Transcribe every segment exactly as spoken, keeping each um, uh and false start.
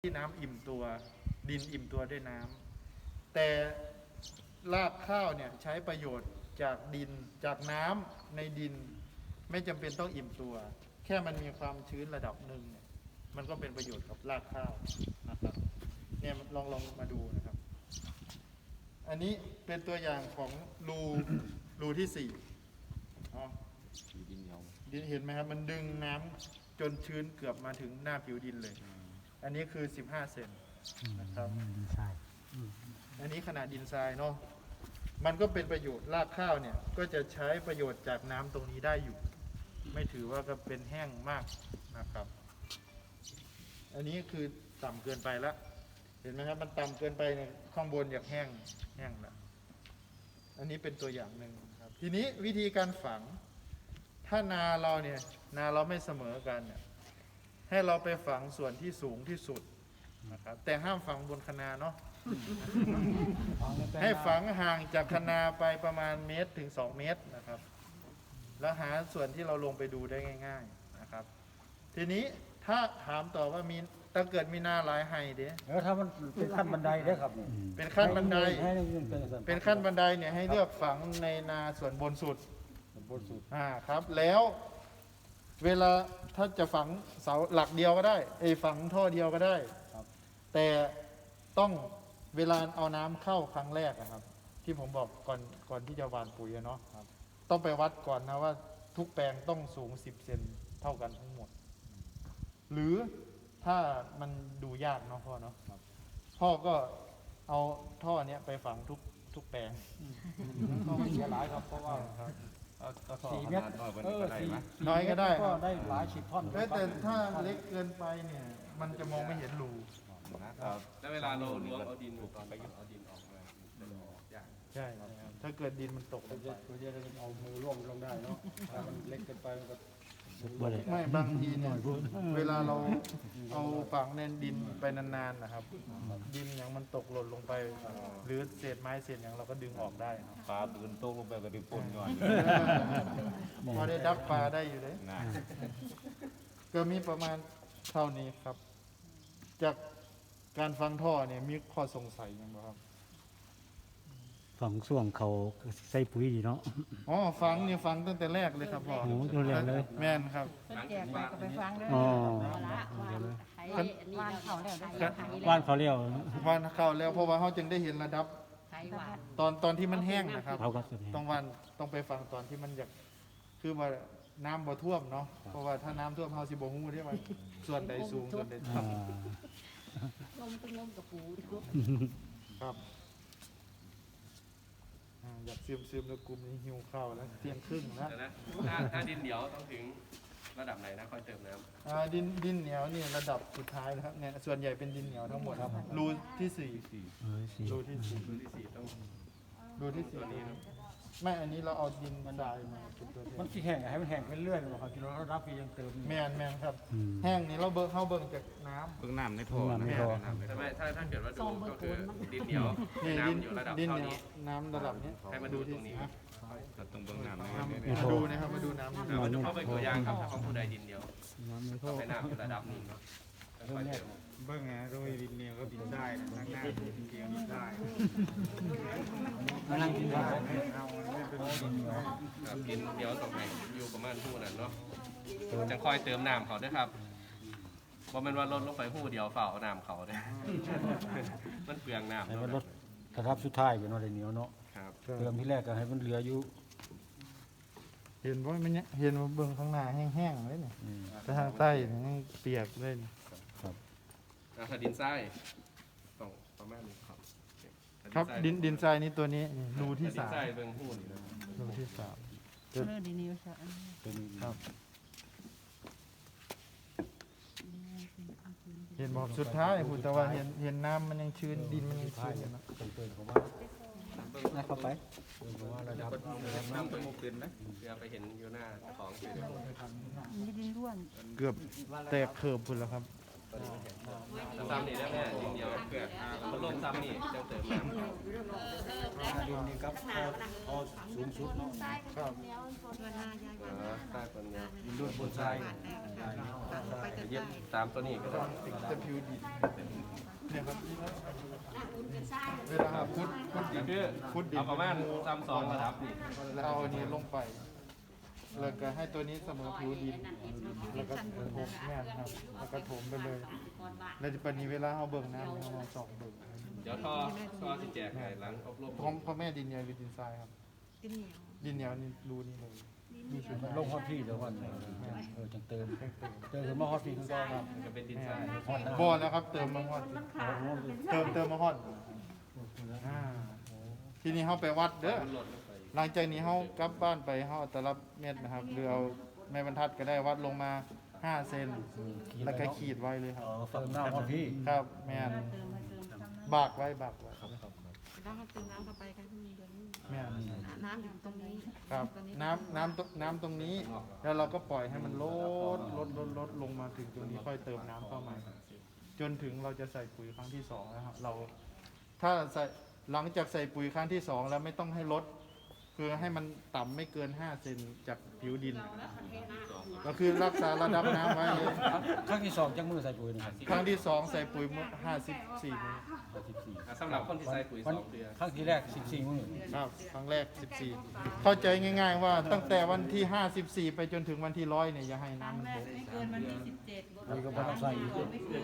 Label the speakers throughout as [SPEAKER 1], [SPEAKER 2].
[SPEAKER 1] ที่น้ำอิ่มตัวดินอิ่มตัวด้วยน้ำแต่รากข้าวเนี่ยใช้ประโยชน์จากดินจากน้ำในดินไม่จำเป็นต้องอิ่มตัวแค่มันมีความชื้นระดับหนึ่งเนี่ยมันก็เป็นประโยชน์กับรากข้าวนะครับเนี่ยลองลองมาดูนะครับอันนี้เป็นตัวอย่างของรูรูที่สี่อ๋อดินเหนียวดินเห็นไหมครับมันดึงน้ำจนชื้นเกือบมาถึงหน้าผิวดินเลยอันนี้คือสิบห้าเซนนะครับดินทรายอันนี้ขนาดดินทรายเนาะมันก็เป็นประโยชน์รากข้าวเนี่ยก็จะใช้ประโยชน์จากน้ำตรงนี้ได้อยู่ไม่ถือว่าก็เป็นแห้งมากนะครับอันนี้คือต่ำเกินไปแล้วเห็นไหมครับมันต่ำเกินไปเนี่ยข้างบนอยากแห้งแห้งแล้วอันนี้เป็นตัวอย่างหนึ่งครับทีนี้วิธีการฝังถ้านาเราเนี่ยนาเราไม่เสมอกันเนี่ยให้เราไปฝังส่วนที่สูงที่สุดนะครับแต่ห้ามฝังบนคะนาเนาะ ให้ฝังห่างจากคะนาไปประมาณเมตรถึงสองเมตรนะครับแล้วหาส่วนที่เราลงไปดูได้ง่ายๆนะครับทีนี้ถ้าถามต่อว่ามีถ้าเกิดมีนาหลายไฮเด้
[SPEAKER 2] เออถ้ามันเป็นขั้นบันไดได้ครับ
[SPEAKER 1] เป็นขั้นบันได
[SPEAKER 2] เ
[SPEAKER 1] ป็นขั้นบันไดเนี่ยให้เลือกฝังในนาส่วนบนสุด
[SPEAKER 2] บนสุด
[SPEAKER 1] อ่าครับแล้วเวลาถ้าจะฝังเสาหลักเดียวก็ได้ไอ้ฝังท่อเดียวก็ได้แต่ต้องเวลาเอาน้ำเข้าครั้งแรกนะครับที่ผมบอกก่อนก่อนที่จะหว่านปุ๋ยเนาะต้องไปวัดก่อนนะว่าทุกแปลงต้องสูงสิบเซนเท่ากันทั้งหมดหรือถ้ามันดูยากเนาะพ่อเนาะพ่อก็เอาท่อเนี้ยไปฝังทุกทุกแปลง
[SPEAKER 2] ก็ไม่เสียหลายครับเพราะว่าสี่เมตรเออสี่
[SPEAKER 1] น้อยก็ได้
[SPEAKER 2] ก็ได้หลายสิบท่อน
[SPEAKER 1] แต่ถ้าเล็กเกินไปเนี่ยมันจะมองไม่เห็นรู
[SPEAKER 3] แล้วเวลาเราล้วงเอาดินตอนไปเอาดินออกมา
[SPEAKER 1] ใช่ถ้าเกิดดินมันตกลงไป
[SPEAKER 2] ก็จะเอามือร่วมลงได้เนาะถ้ามันเล็กเกินไปมันก็
[SPEAKER 1] ไม่บางทีเนี่ยเวลาเราเอาฝังในดินไปนานๆนะครับดินอย่างมันตกหล่นลงไปหรือเศษไม้เศษอย่างเราก็ดึงออกได้
[SPEAKER 4] ปลาตื่นโตลงไปก็ดึงปนก่อน
[SPEAKER 1] พอได้ดับปลาได้อยู่เลยก็มีประมาณเท่านี้ครับจากการฟังท่อเนี่ยมีข้อสงสัยยังไงครับ
[SPEAKER 5] ฝังส่วงเขาใส่ปุ๋ยดีเนาะ
[SPEAKER 1] อ๋อฟังเนี่ยฟังตั้งแต่แรกเลยครับพ่อ
[SPEAKER 5] โอ้ดูแลเลย
[SPEAKER 1] แม่นครับ
[SPEAKER 6] แจกไปก็ไปฟังเลย
[SPEAKER 5] อ๋อ
[SPEAKER 6] วานเขาแล้ว
[SPEAKER 5] วานเขาเลี้ยว
[SPEAKER 1] วานเขาแล้วเพราะว่าเขาจึงได้เห็นระดับตอนตอนที่มันแห้งนะครับต้องวันต้องไปฟังตอนที่มันอยากคือว่าน้ำบ่ท่วมเนาะเพราะว่าถ้าน้ำท่วมเขาสิบ่ฮู้ได้ว่าส่วนใดสูงส่วนใดต่ำ
[SPEAKER 6] ลมเป็นลมกับปู
[SPEAKER 1] ครับอยากซึมซึมแล้วกลุ่มนี้หิวข้าวแล้วเที่ยงครึ่งแล้ว
[SPEAKER 3] ถ้าถ้าดินเหนียวต้องถึงระดับไหนนะค่อยเติมน้ำ
[SPEAKER 1] อ่าดินดินเหนียวนี่ระดับสุดท้ายแล้วครับเนี่ยส่วนใหญ่เป็นดินเหนียวทั้งหมดครับรูที่สี่รูที่สี่
[SPEAKER 3] รูที่สี่ต้อง
[SPEAKER 1] รูที่สี่นี้ไม่อันนี้เราเอาดินทรายมาเป็นตัว
[SPEAKER 2] มันที่แห้งให้มันแห้งไปเรื่อยๆครับที่เรารับปียังเติม
[SPEAKER 1] แมนแมนครับแห้งนี่เราเบิกเข้าเบิ่งจากน้ำ
[SPEAKER 4] เบิ่งน้ำในท่อ
[SPEAKER 5] ในท่อ
[SPEAKER 3] แต่ไม่ถ้าถ้าเกิดว่าดูก็คือดินเหนียวน้ำอยู่ระดับเท่านี้
[SPEAKER 1] น้ำระดับนี้
[SPEAKER 3] ให้มาดูตรงนี้
[SPEAKER 4] เราต้องเบิ่งน้ำ
[SPEAKER 1] มาดูนะครับมาดูน้ำ
[SPEAKER 3] มาดูเข้าไปตัวอย่างครับถ้าเขาผู้ใดดินเหนียวให้น้ำอยู่ระดับนี้เนาะ
[SPEAKER 1] เบิ่งไงโรยดินเหนียวก็ดินได้ทางหน้าดินเหนียวดินได้
[SPEAKER 2] มานั่งกินได้
[SPEAKER 1] เอาไม่เป็นดินเหนียว
[SPEAKER 3] ดินเหนียวตรงไหนอยู่ประมาณหู้นั้นเนาะจะคอยเติมน้ำเขาด้วยครับเพราะมันว่าลดลงไปหู้เดียวเฝ้าน้ำเขาเนี่ยมันเปลืองน้ำ
[SPEAKER 2] แต่มันลดกระทับสุดท้ายอยู่เนาะเหนียวเนาะเติมที่แรกก็ให้มันเหลืออยู่
[SPEAKER 1] เห็นว่ามันเห็นว่าเบื้องข้างหน้าแห้งๆเลยเนี่ยแต่ทางใต้นี่เปียกเลย
[SPEAKER 3] ครับถ้าดินทรายต้องประมาณนี้ครับ
[SPEAKER 1] ครับดินดินทรายนี่ตัวนี้รูที่สาม
[SPEAKER 3] ดินทรายเบื้องหู้นี่นะ
[SPEAKER 1] รูที่สาม
[SPEAKER 6] เออดินเหนียวใช่
[SPEAKER 1] เป็นครับเห็นบอกสุดท้ายคุณแต่ว่าเห็นเห็นน้ำมันยังชื้นดินมันยังชื้นอยู่นะ
[SPEAKER 2] เข้าไป
[SPEAKER 3] ระดับน้ำเป็นมุกดินไหมเดี๋ยวไปเห็นอยู่หน้าของ
[SPEAKER 6] ดินร่วน
[SPEAKER 1] เกือบแตกเขิบคุณแล้วครับ
[SPEAKER 3] ซ้ำนี่ได้แม่ดินเดียวเกือบมันลงซ้ำนี่จะเติมน้ำ
[SPEAKER 2] ดินนี่ครับพอสูงสุดเนาะ
[SPEAKER 1] ครับ
[SPEAKER 3] ใต้ต้นนี้
[SPEAKER 2] ดินร่วนบนทราย
[SPEAKER 3] เย็บตามตัวนี้ก็ได้
[SPEAKER 1] จะผิวดิน
[SPEAKER 3] คือ
[SPEAKER 1] ขุดดิน
[SPEAKER 3] เอาประมาณซ้ำสองระดับนี่
[SPEAKER 1] แล้วเอาอันนี้ลงไปแล้วก็ให้ตัวนี้เสมอผิวดินแล้วก็ถมแม่นครับแล้วก็ถมไปเลยแล้วปานนี้เวลาเอาเบิ่งน้ำเรามาส่องเบิ่ง
[SPEAKER 3] เดี๋ยวท่อท่อสิแจกให้หลังอบรม
[SPEAKER 1] พร้อมพ่อแม่ดินเหนียวหรือดินทรายครับ
[SPEAKER 6] ดินเหนียว
[SPEAKER 1] ดินเหนียวนี่รูนี่เลยมีชุด
[SPEAKER 5] ลงฮอตพี่เดี๋ยววันเออจังเติมเติมมาฮอตพี่คือก็ครับ
[SPEAKER 3] มันก็เป็นดินทราย
[SPEAKER 1] บอลแล้วครับเติมมาฮอดเติมเติมมาฮอดอ่าทีนี้เขาไปวัดเด้อ
[SPEAKER 3] มันหล่นลงไป
[SPEAKER 1] หลังจากนี้เขากลับบ้านไปเขาเอาแต่ละเม็ดนะครับหรือเอาแม่บรรทัดก็ได้วัดลงมาห้าเซนแล้วก็ขีดไว้เลยครับ
[SPEAKER 5] อ๋อเติมหน้าฮอตพี่
[SPEAKER 1] ครับแม่น
[SPEAKER 6] เติมมาเติมซ้ำน้
[SPEAKER 1] บากไว้บากไว้
[SPEAKER 7] แล้วก็เติมน้ำเข้าไปกันเดือนนี้
[SPEAKER 1] แม่น
[SPEAKER 7] น้ำอยู่ตรงนี้
[SPEAKER 1] ครับน้ำน้ำตน้ำตรงนี้ แล้วเราก็ปล่อยให้มันลดลดลดลดลงมาถึงตรงนี้ค่อยเติมน้ำเข้ามาจนถึงเราจะใส่ปุ๋ยครั้งที่สองนะครับเราถ้าใส่หลังจากใส่ปุ๋ยครั้งที่สองแล้วไม่ต้องให้ลดคือให้มันต่ำไม่เกินห้าเซนจากผิวดินนะครับก็คือรักษาระดับน้ำไว้เลย
[SPEAKER 5] ครั้งที่สองจังมือใส่ปุ๋ยนะครับ
[SPEAKER 1] ครั้งที่สองใส่ปุ๋ยห้าสิบสี่มื้อ
[SPEAKER 5] สิบสี่
[SPEAKER 3] อ่ะสำหรับคนที่ใส่ปุ๋ยสองเดือน
[SPEAKER 5] ครั้งที่แรกสิบสี่มือ
[SPEAKER 1] ครับครั้งแรกสิบสี่เข้าใจง่าย ๆ ว่าตั้งแต่วันที่ห้าสิบสี่ไปจนถึงวันที่ร้อยเนี่ยอย่าให้น้ำมันตก
[SPEAKER 6] ำไม่เกินวันที่สิบเจ็ด
[SPEAKER 5] นี่ก็บ่ต้องใส่อีก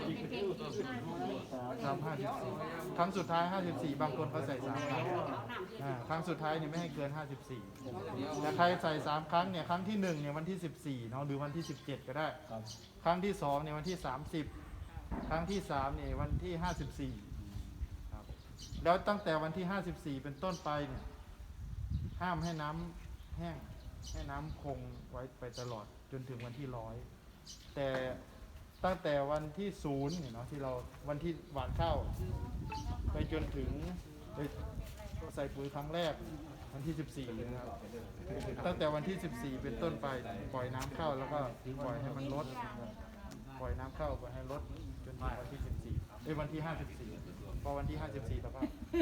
[SPEAKER 1] สามห้าสิบสี่ครั้งสุดท้ายห้าสิบสี่บางคนเขาใส่สามครั้งอ่าครั้งสุดท้ายเนี่ยไม่ให้เกินห้าสิบสี่แต่ใครใส่สามครั้งเนี่ยครั้งที่หนึ่งเนี่ยวันที่สิบสี่เนาะหรือวันที่สิบเจ็ดก็ได้
[SPEAKER 5] ครับ
[SPEAKER 1] ครั้งที่สองเนี่ยวันที่สามสิบครั้งที่สามเนี่ยวันที่ห้าสิบสี่ครับแล้วตั้งแต่วันที่ห้าสิบสี่เป็นต้นไปเนี่ยห้ามให้น้ำแห้งให้น้ำคงไว้ไปตลอดจนถึงวันที่ร้อยแต่ตั้งแต่วันที่ศูนย์เนี่ยเนาะที่เราวันที่หว่านข้าวไปจนถึงไปใส่ปุ๋ยครั้งแรกวันที่สิบสี่นะครับตั้งแต่วันที่สิบสี่เป็นต้นไปปล่อยน้ำเข้าแล้วก็ปล่อยให้มันลดปล่อยน้ำเข้าปล่อยให้ลดจนถึงวันที่สิบสี่เอ้ยวันที่ห้าสิบสี่พอวันที่ห้าสิบสี่แล้วก็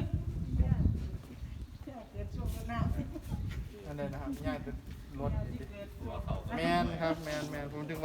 [SPEAKER 6] เกิดช่วงหน้า
[SPEAKER 1] อันนั้นนะครับง่ายเป็นลดแมนครับแมนแมนผมถึง